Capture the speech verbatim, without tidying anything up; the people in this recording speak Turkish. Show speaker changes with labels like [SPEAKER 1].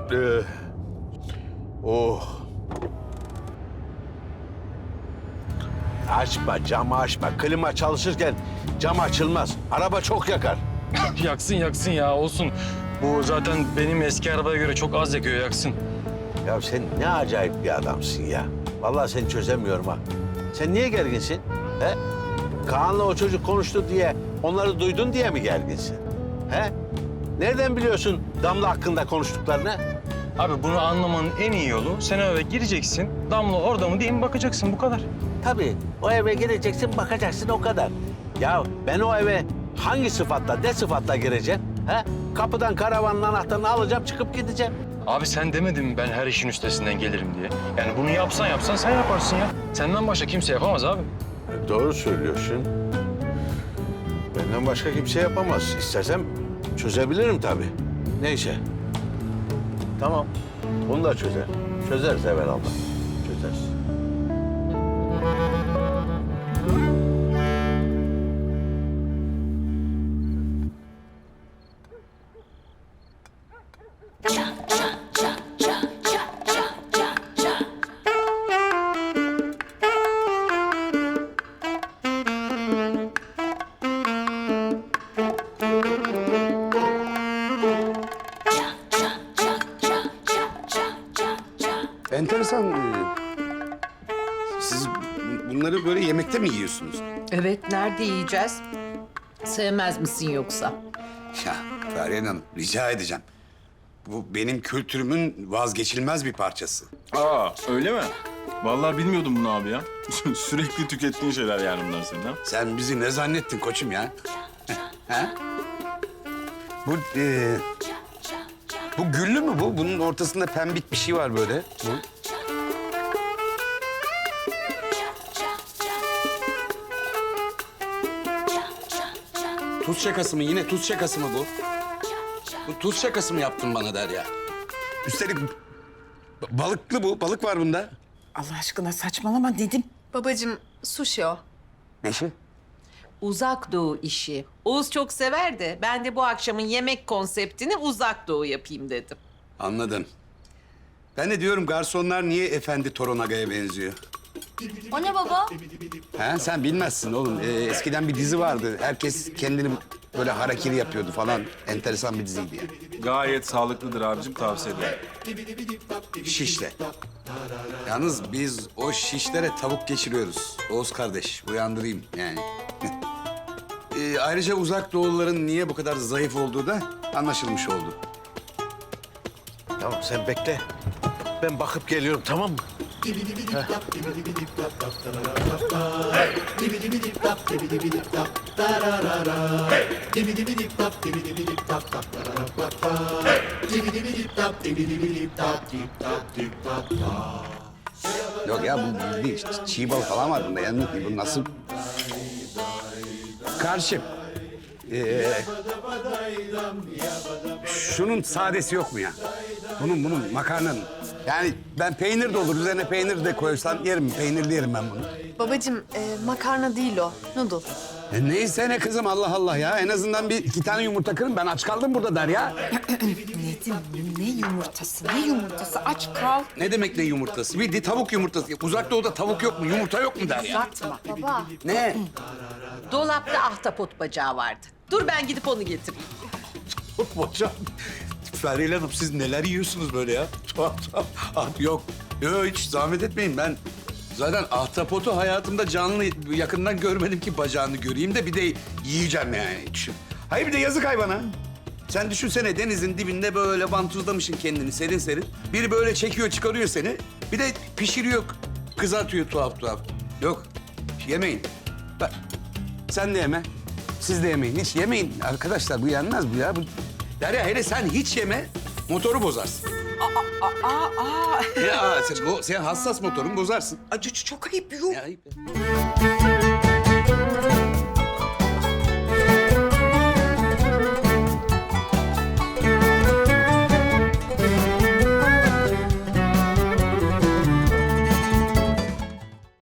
[SPEAKER 1] Ee, oh. Açma, camı açma. Klima çalışırken cam açılmaz. Araba çok yakar.
[SPEAKER 2] Yaksın yaksın ya olsun. Bu zaten benim eski arabaya göre çok az yakıyor yaksın.
[SPEAKER 1] Ya sen ne acayip bir adamsın ya. Vallahi seni çözemiyorum ha. Sen niye gerginsin? He? Kaan'la o çocuk konuştu diye, onları duydun diye mi gerginsin? He? Nereden biliyorsun Damla hakkında konuştuklarını?
[SPEAKER 2] Abi bunu anlamanın en iyi yolu sen eve gireceksin. Damla orada mı diye mi bakacaksın bu kadar.
[SPEAKER 1] Tabii o eve gireceksin, bakacaksın o kadar. Ya ben o eve hangi sıfatla, ne sıfatla gireceğim? He? Kapıdan karavanın anahtarını alacağım, çıkıp gideceğim.
[SPEAKER 2] Abi sen demedin mi ben her işin üstesinden gelirim diye? Yani bunu yapsan yapsan sen yaparsın ya. Senden başka kimse yapamaz abi.
[SPEAKER 1] Doğru söylüyorsun. Benden başka kimse yapamaz. İstersem çözebilirim tabii. Neyse. Tamam. Bunu da çözer. Çözeriz evvelallah. Çözeriz.
[SPEAKER 3] Enteresan. e, Siz bu- bunları böyle yemekte mi yiyorsunuz?
[SPEAKER 4] Evet, nerede yiyeceğiz? Sevmez misin yoksa?
[SPEAKER 3] Ya Fahriye Hanım rica edeceğim. Bu benim kültürümün vazgeçilmez bir parçası.
[SPEAKER 5] Aa öyle mi? Vallahi bilmiyordum bunu abi ya. Sürekli tükettiğin şeyler yani bunlar senin ha.
[SPEAKER 3] Sen bizi ne zannettin koçum ya? ha? Bu e, bu güllü mü bu? Bunun ortasında pembik bir şey var böyle. Bu. Tuz şakası mı? Yine tuz şakası mı bu? Bu tuz şakası mı yaptın bana Derya? Üstelik ba- balıklı bu. Balık var bunda.
[SPEAKER 4] Allah aşkına saçmalama dedim.
[SPEAKER 6] Babacığım, sushi o.
[SPEAKER 3] Ne şey?
[SPEAKER 4] Uzak Doğu işi. Oğuz çok sever de ben de bu akşamın yemek konseptini Uzak Doğu yapayım dedim.
[SPEAKER 3] Anladım. Ben de diyorum garsonlar niye Efendi Toronaga'ya benziyor?
[SPEAKER 6] O ne baba?
[SPEAKER 3] Ha, sen bilmezsin oğlum. Ee, eskiden bir dizi vardı. Herkes kendini böyle harakiri yapıyordu falan. Enteresan bir diziydi yani.
[SPEAKER 5] Gayet sağlıklıdır abicim, tavsiye ederim.
[SPEAKER 3] Şişle. Yalnız biz o şişlere tavuk geçiriyoruz. Oğuz kardeş, uyandırayım yani. ee, ayrıca Uzak Doğuluların niye bu kadar zayıf olduğu da anlaşılmış oldu.
[SPEAKER 1] Tamam sen bekle. Ben bakıp geliyorum tamam mı?
[SPEAKER 3] Yok ya bu bildiğin ç- çiğ balık falan var bunda. Yani bu nasıl... Karşım. Ee, şunun sadesi yok mu ya? Bunun bunun makarnanın. Yani ben peynir de olur. Üzerine peynir de koysan yerim. Peynirli yerim ben bunu.
[SPEAKER 6] Babacığım, e, makarna değil o. Noodle.
[SPEAKER 3] E neyse ne kızım Allah Allah ya. En azından bir iki tane yumurta kırın. Ben aç kaldım burada Derya.
[SPEAKER 4] Nedim ne yumurtası ne yumurtası aç kal.
[SPEAKER 3] Ne demek ne yumurtası? Bir de tavuk yumurtası. Uzak Doğu'da tavuk yok mu? Yumurta yok mu Derya?
[SPEAKER 4] Uzatma.
[SPEAKER 6] Baba,
[SPEAKER 3] Ne?
[SPEAKER 4] Dolapta ahtapot bacağı vardı. Dur ben gidip onu getireyim.
[SPEAKER 3] Hocam, Feriha Hanım siz neler yiyorsunuz böyle ya? Tuhaf tuhaf. Ah, yok, yok hiç zahmet etmeyin ben. Zaten ahtapotu hayatımda canlı yakından görmedim ki bacağını göreyim de bir de yiyeceğim yani. Düşün. Hayır bir de yazık hayvana. Sen düşünsene denizin dibinde böyle vantuzlamışsın kendini serin serin. Biri böyle çekiyor çıkarıyor seni. Bir de pişiriyor, kızartıyor tuhaf tuhaf. Yok, yemeyin. Bak, sen de yeme. Siz de yemeyin. Hiç yemeyin. Arkadaşlar bu yenmez bu ya. Bu... Derya hele sen hiç yeme, motoru bozarsın.
[SPEAKER 4] Aa aa.
[SPEAKER 3] Ya sen, bu, sen hassas motorun bozarsın.
[SPEAKER 4] Acı çok ayıp yok.
[SPEAKER 3] Ya, ayıp ya.